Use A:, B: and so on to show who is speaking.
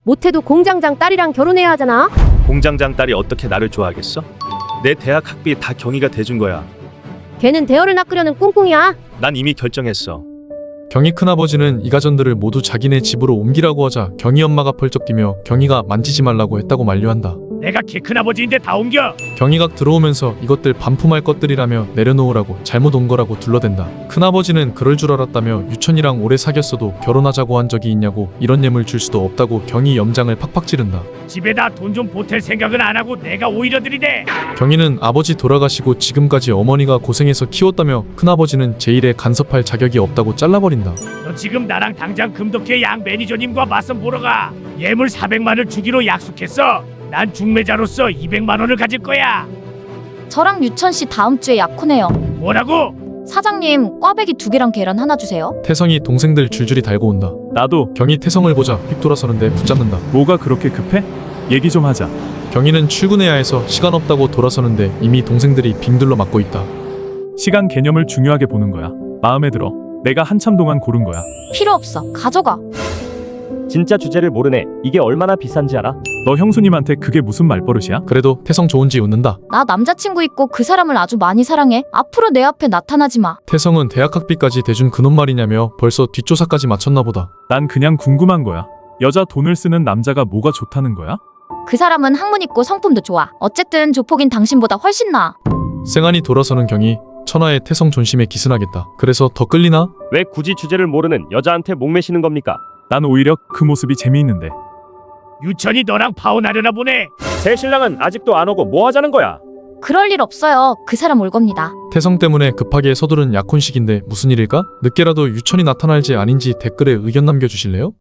A: 못해도 공장장 딸이랑 결혼해야 하잖아.
B: 공장장 딸이 어떻게 나를 좋아하겠어? 내 대학 학비 다 경희가 대준 거야.
A: 걔는 대어를 낚으려는 꿍꿍이야.
B: 난 이미 결정했어.
C: 경희 큰아버지는 이 가전들을 모두 자기네 집으로 옮기라고 하자 경희 엄마가 펄쩍 뛰며 경희가 만지지 말라고 했다고 만류한다.
D: 내가 키 큰아버지인데 다 옮겨.
C: 경희가 들어오면서 이것들 반품할 것들이라며 내려놓으라고 잘못 온 거라고 둘러댄다. 큰아버지는 그럴 줄 알았다며 유천이랑 오래 사귀었어도 결혼하자고 한 적이 있냐고 이런 예물 줄 수도 없다고 경희 염장을 팍팍 찌른다.
D: 집에다 돈 좀 보탤 생각은 안 하고 내가 오히려 들이대.
C: 경희는 아버지 돌아가시고 지금까지 어머니가 고생해서 키웠다며 큰아버지는 제 일에 간섭할 자격이 없다고 잘라버린다.
D: 너 지금 나랑 당장 금덕회 양 매니저님과 맞선 보러 가. 예물 400만을 주기로 약속했어. 난 중매자로서 200만 원을 가질 거야.
E: 저랑 유천 씨 다음 주에 약혼해요.
D: 뭐라고?
E: 사장님, 꽈배기 2개랑 계란 하나 주세요.
C: 태성이 동생들 줄줄이 달고 온다.
F: 나도.
C: 경희 태성을 보자 휙 돌아서는데 붙잡는다.
F: 뭐가 그렇게 급해? 얘기 좀 하자.
C: 경희는 출근해야 해서 시간 없다고 돌아서는데 이미 동생들이 빙둘러 맞고 있다.
F: 시간 개념을 중요하게 보는 거야. 마음에 들어. 내가 한참 동안 고른 거야.
E: 필요 없어. 가져가.
G: 진짜 주제를 모르네. 이게 얼마나 비싼지 알아?
F: 너 형수님한테 그게 무슨 말버릇이야?
C: 그래도 태성 좋은지 웃는다.
E: 나 남자친구 있고 그 사람을 아주 많이 사랑해. 앞으로 내 앞에 나타나지 마.
C: 태성은 대학 학비까지 대준 그놈 말이냐며 벌써 뒷조사까지 마쳤나 보다.
F: 난 그냥 궁금한 거야. 여자 돈을 쓰는 남자가 뭐가 좋다는 거야?
E: 그 사람은 학문 있고 성품도 좋아. 어쨌든 조폭인 당신보다 훨씬 나아.
C: 쌩안이 돌아서는 경희. 천하의 태성 존심에 기승하겠다. 그래서 더 끌리나?
G: 왜 굳이 주제를 모르는 여자한테 목매시는 겁니까?
F: 난 오히려 그 모습이 재미있는데.
D: 유천이 너랑 파혼하려나 보네.
G: 새 신랑은 아직도 안 오고 뭐 하자는 거야?
E: 그럴 일 없어요. 그 사람 올 겁니다.
C: 태성 때문에 급하게 서두른 약혼식인데 무슨 일일까? 늦게라도 유천이 나타날지 아닌지 댓글에 의견 남겨주실래요?